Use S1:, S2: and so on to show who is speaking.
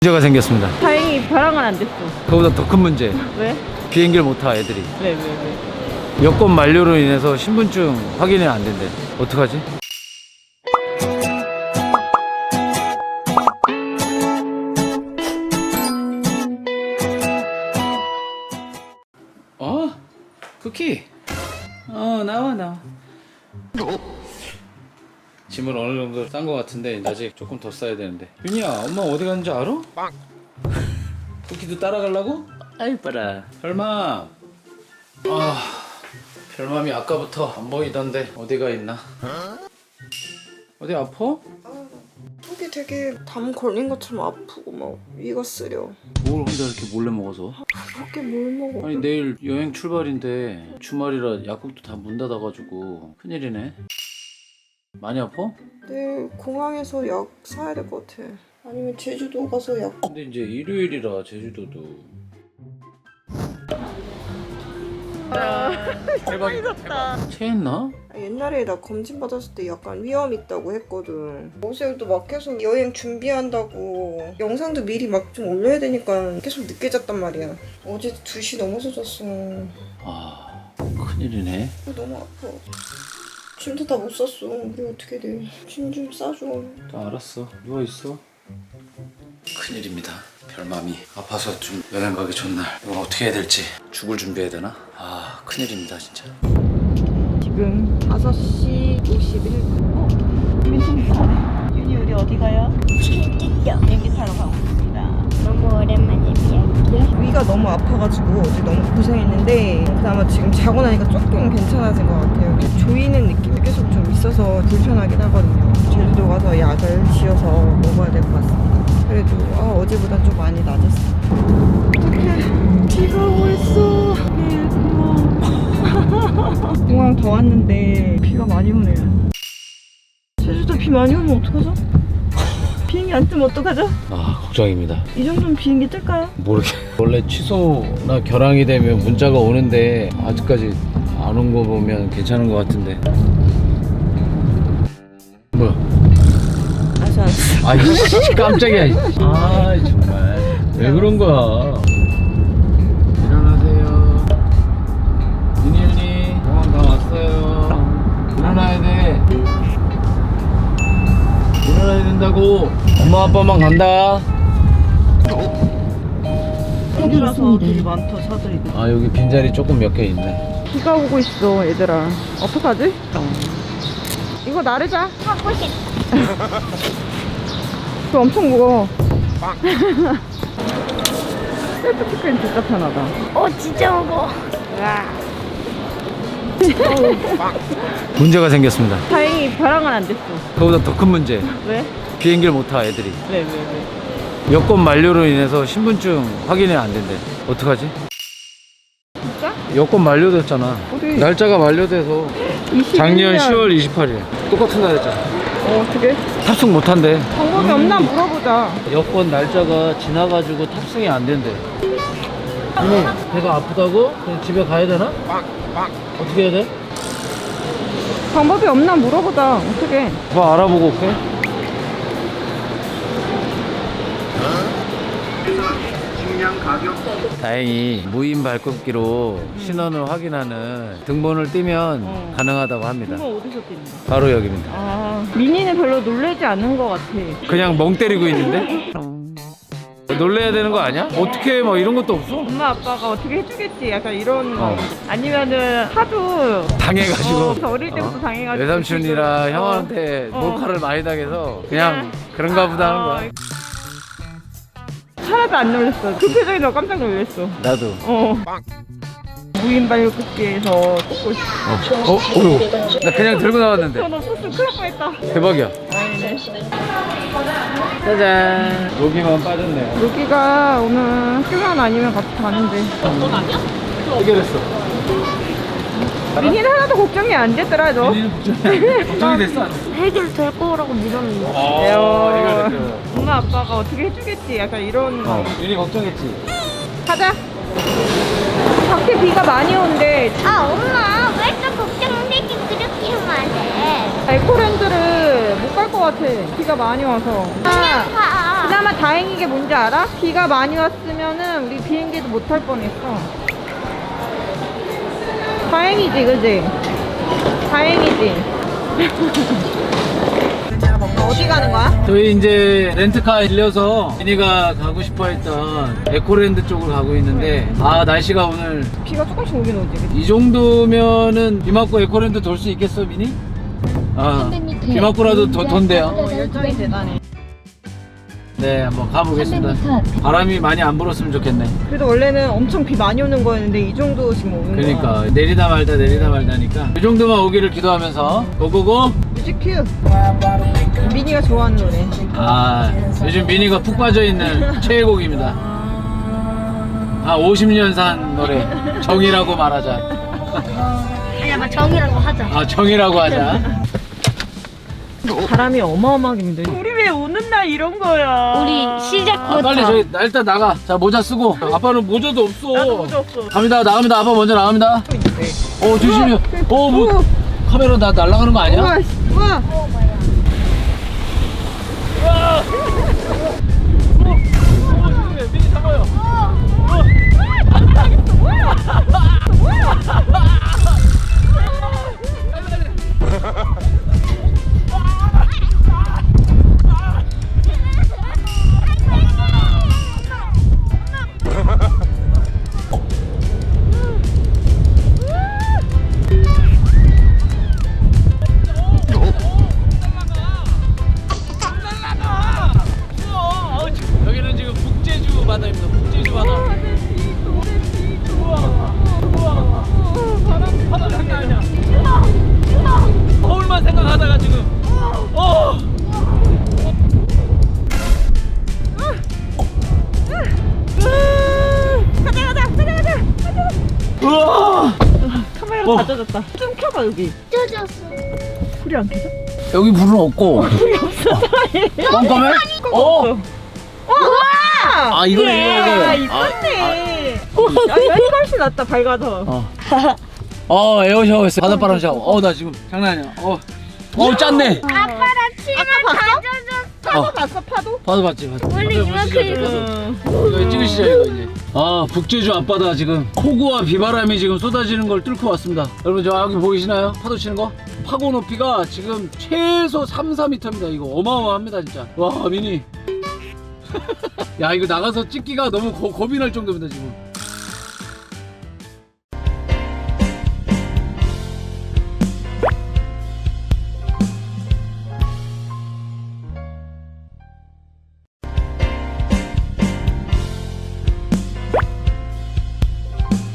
S1: 문제가 생겼습니다.
S2: 다행히 벼랑은 안 됐어.
S1: 그거보다 더 큰 문제.
S2: 왜?
S1: 비행기를 못 타 애들이.
S2: 왜?
S1: 여권 만료로 인해서 신분증 확인이 안 된대. 어떡하지? 쿠키. 나와. 짐을 어느 정도 싼 것 같은데 아직 조금 더 싸야 되는데. 윤이야, 엄마 어디 갔는지 알아? 쿠키도 따라가려고? 아이 봐라. 별맘. 별맘이 아까부터 안 보이던데 어디가 있나? 어디 아파?
S3: 속이 되게 담 걸린 것처럼 아프고 막 위가 쓰려.
S1: 뭘 혼자 이렇게 몰래 먹어서?
S3: 그렇게 뭘 먹어?
S1: 아니 내일 여행 출발인데 주말이라 약국도 다 문 닫아가지고 큰일이네. 많이 아파?
S3: 내일 공항에서 약 사야 될 것 같아. 아니면 제주도 가서 약.
S1: 근데 이제 일요일이라 제주도도. 대박이다. 체했나?
S3: 옛날에 나 검진 받았을 때 약간 위험 있다고 했거든. 어제도 막 계속 여행 준비한다고 영상도 미리 막 좀 올려야 되니까 계속 늦게 잤단 말이야. 어제 2시 넘어서 잤어.
S1: 큰일이네.
S3: 너무 아파. 짐도 다 못 쌌어. 우리 어떻게 돼? 짐 좀 싸줘.
S1: 알았어. 누워있어. 큰일입니다. 별맘이 아파서 좀 여행 가기 전날 이걸 어떻게 해야 될지. 죽을 준비해야 되나? 큰일입니다 진짜.
S2: 지금 5시 51분. 민준이 가네. 윤이 우리 어디 가요? 비행기 타러 가고 있습니다.
S4: 너무 오랜만에 비행기야?
S3: 위가 너무 아파가지고 어제 너무 고생했는데 그나마 지금 자고 나니까 조금 괜찮아진 것 같아요. 이렇게 조이는 느낌이 계속 좀 있어서 불편하긴 하거든요. 제주도 가서 약을 지어서 먹어야 될 것 같습니다. 그래도 어제보단 좀 많이 나아졌어. 어떡해, 비가 오고 있어. 공항 더 왔는데 비가 많이 오네요. 제주도 비 많이 오면 어떡하죠? 비행기 안 뜨면 어떡하죠?
S1: 걱정입니다.
S3: 이 정도면 비행기 뜰까요?
S1: 모르게. 원래 취소나 결항이 되면 문자가 오는데 아직까지 안 온 거 보면 괜찮은 것 같은데. 뭐야?
S3: 알았어.
S1: 깜짝이야. 정말 왜 그런 거야? 일어나세요. 윤이 공항 다 왔어요. 일어나야 돼. 일어나야 된다고. 엄마 아빠만 간다.
S3: 여기라서 되게 많다, 차들이.
S1: 여기 빈자리 조금 몇 개 있네.
S3: 비가 오고 있어, 얘들아. 어떡하지? 이거 나르자.
S4: 하고 싶
S3: 그거 엄청 무거워. 셀프 피크는 진짜 편하다.
S4: 진짜 무거워.
S1: 문제가 생겼습니다.
S2: 다행히 벼랑은 안 됐어.
S1: 그거보다 더 큰 문제.
S2: 왜?
S1: 비행기를 못 타 애들이.
S2: 왜?
S1: 여권 만료로 인해서 신분증 확인이 안 된대. 어떡하지?
S2: 진짜?
S1: 여권 만료됐잖아.
S3: 어디?
S1: 날짜가 만료돼서
S3: 21년.
S1: 작년 10월 28일 똑같은 날이잖아.
S3: 어떻게?
S1: 탑승 못 한대.
S3: 방법이 없나 물어보자.
S1: 여권 날짜가 지나가지고 탑승이 안 된대. 배가 아프다고? 그냥 집에 가야 되나? 어떻게 해야 돼?
S3: 방법이 없나 물어보자. 어떻게?
S1: 뭐 알아보고 올게. 다행히 무인 발급기로 신원을 확인하는 등본을 띄면 가능하다고 합니다.
S2: 이거 어디서 뛴다?
S1: 바로 여기입니다.
S2: 민이는 별로 놀라지 않는 것 같아.
S1: 그냥 멍 때리고 있는데? 놀래야 되는 거 아니야? 어떻게 뭐 이런 것도 없어?
S2: 엄마 아빠가 어떻게 해주겠지? 약간 이런 거.
S1: 어.
S2: 아니면은 하도
S1: 당해가지고
S2: 어릴 때부터 당해가지고
S1: 외삼촌이랑
S2: 지금,
S1: 형한테
S2: 어.
S1: 몰카를 많이 당해서 그냥 그런가 보다 하는 거야.
S2: 하나도 안 놀랐어. 그 표정이 너무 깜짝 놀랐어.
S1: 나도.
S2: 무인 발급기에서 꽂고 있어.
S1: 나 그냥 들고 나왔는데.
S2: 너 없었으면 큰일 날 뻔했다.
S1: 대박이야.
S2: 아니네.
S1: 짜잔. 여기만 빠졌네.
S3: 여기가 오늘 휴면 아니면 같이 가는데.
S1: 해결했어.
S3: 민이는 하나도 걱정이 안 되더라, 너.
S1: 걱정이 됐어?
S4: 해결될 거라고 믿었는데.
S1: 해결됐어.
S2: 엄마 아빠가 어떻게 해주겠지? 약간 이런 거.
S1: 윤이 걱정했지?
S3: 가자. 밖에 비가 많이 오는데
S4: 엄마 왜 또 걱정되게 그렇게 하면 안 돼?
S3: 에코랜드를 못 갈 것 같아. 비가 많이 와서.
S4: 그냥 가.
S2: 그나마 다행인 게 뭔지 알아? 비가 많이 왔으면은 우리 비행기도 못 탈 뻔했어. 다행이지, 그지? 다행이지. 어디 가는 거야?
S1: 저희 이제 렌트카 빌려서 미니가 가고 싶어 했던 에코랜드 쪽으로 가고 있는데 아 날씨가 오늘
S2: 비가 조금씩 오긴 오지, 그치?
S1: 이 정도면은 비 맞고 에코랜드 돌 수 있겠어 미니? 아, 비 맞고라도 돈대요.
S2: 열정이 대단해.
S1: 네, 한번 가보겠습니다. 바람이 많이 안 불었으면 좋겠네.
S2: 그래도 원래는 엄청 비 많이 오는 거였는데 이 정도 지금 오는 거야.
S1: 그러니까 내리다 말다니까 이 정도만 오기를 기도하면서 고고고.
S2: 뮤직큐. 미니가 좋아하는 노래.
S1: 아, 요즘 미니가 푹 빠져있는 최애곡입니다. 아, 50년 산 노래 정이라고 말하자.
S4: 아니야, 막 정이라고 하자.
S1: 아, 정이라고 하자.
S2: 바람이 어마어마하게 힘들어. 우리 왜 오는 날 이런 거야?
S4: 우리 시작부터.
S1: 아, 빨리 저희 일단 나가. 자, 모자 쓰고. 아빠는 모자도 없어.
S2: 나도 모자 없어.
S1: 갑니다. 나갑니다. 아빠 먼저 나갑니다. 조심히요. 뭐
S2: 우와.
S1: 카메라 날아가는 거 아니야?
S2: 우와, 우와.
S1: 미니 잡아요. 여기는 지금 북제주 바다입니다. 북제주 바다. 바다 장난 아니야. 서울만 생각하다가 지금.
S2: 가자.
S1: 우와.
S2: 카메라 다 젖었다. 좀 켜봐 여기.
S4: 쪄졌어.
S2: 불이 안 켜져?
S1: 여기 불은 없고.
S2: 불이 없어.
S1: 깜깜해?
S2: 우와!
S1: 아 이거네
S2: 아,
S1: 이거.
S2: 이건데. 야, 이거 훨씬 낫다, 밝아서.
S1: 에어샤워 했어. 바닷바람 샤워. 나 지금 장난 아니야. 짰네.
S4: 아빠랑 치마 다 젖었어.
S2: 파도 봤어, 파도?
S1: 봐도 봤지.
S4: 원래 이렇게
S1: 이거 찍으시죠 이거 이제. 북제주 앞바다 지금 폭우와 비바람이 지금 쏟아지는 걸 뚫고 왔습니다. 여러분 저기 보이시나요? 파도 치는 거? 파고 높이가 지금 최소 3-4m입니다. 이거 어마어마합니다 진짜. 와 미니. 야 이거 나가서 찍기가 너무 겁이 날 정도입니다 지금.